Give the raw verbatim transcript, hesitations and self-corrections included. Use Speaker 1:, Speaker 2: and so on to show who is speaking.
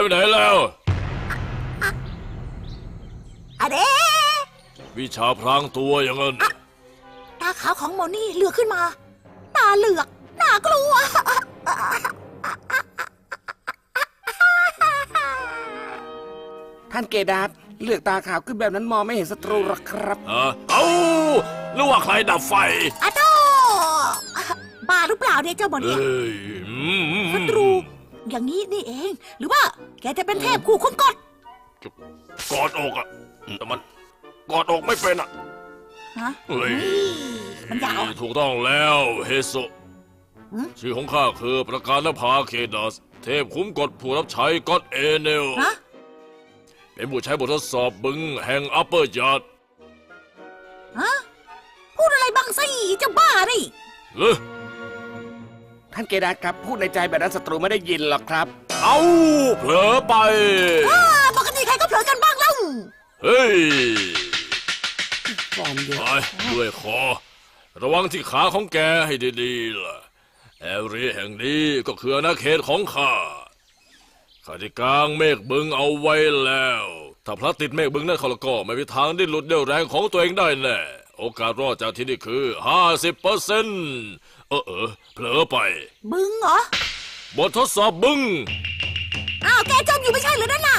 Speaker 1: ไปไหนแล้ว
Speaker 2: อะเด
Speaker 1: วิชาพรางตัวอย่างนั้น
Speaker 2: ตาขาวของโมนี่เหลือกขึ้นมาตาเหลือกน่ากลัว
Speaker 3: ท่านเกดัสเลือกตาขาวขึ้นแบบนั้นมองไม่เห็นศัตรูหรอกครับ
Speaker 1: เออเอ้าหรือว่าใครดับไฟ
Speaker 2: อะโตบ้าหรือเปล่าเนี่ยเจ้าโมนี่ศัตรูอย่างนี้นี่เองหรือว่าแกจะเป็นเทพคู่คุ้มกฎ
Speaker 1: กอดอกอ่ะแต่มันกอดอกไม่เป็นอ่ะ
Speaker 2: ฮะ
Speaker 1: เฮ้ย
Speaker 2: มันยาว
Speaker 1: ถูกต้องแล้วเฮโซชื่อของข้าคือประการนภาเคดัสเทพคุ้มกฎผู้รับใช้ก็อดเอเนลเป็นผู้ใช้บททดสอบบึงแห่งอัปเปอร์ยาร์ด
Speaker 2: ฮะพูดอะไรบ้างสิเจ้าบ้าดิ
Speaker 1: เออ
Speaker 3: ท่านเกดัสครับพูดในใจแบบนั้นศัตรูไม่ได้ยินหรอกครับ
Speaker 1: เอ้าเผลอไป
Speaker 2: ปกติใครก็เผลอกันบ้างแล้ว
Speaker 1: เฮ้ย
Speaker 3: ฟอร์มเยอะ
Speaker 1: ด้วยคอระวังที่ขาของแกให้ดีๆล่ะแอเรียแห่งนี้ก็คืออาณาเขตของข้าข้าที่กลางเมฆบึงเอาไว้แล้วถ้าพลัดติดเมฆบึงนั่นเขาละก็ไม่มีทางได้หลุดเดี่ยวแรงของตัวเองได้แน่โอกาสรอดจากที่นี่คือ ห้าสิบเปอร์เซ็นต์ เออเออเผลอไป
Speaker 2: บึงเหรอ
Speaker 1: บททดสอบบึง
Speaker 2: อ้าวแกจมอยู่ไม่ใช่หรือนั่นน่ะ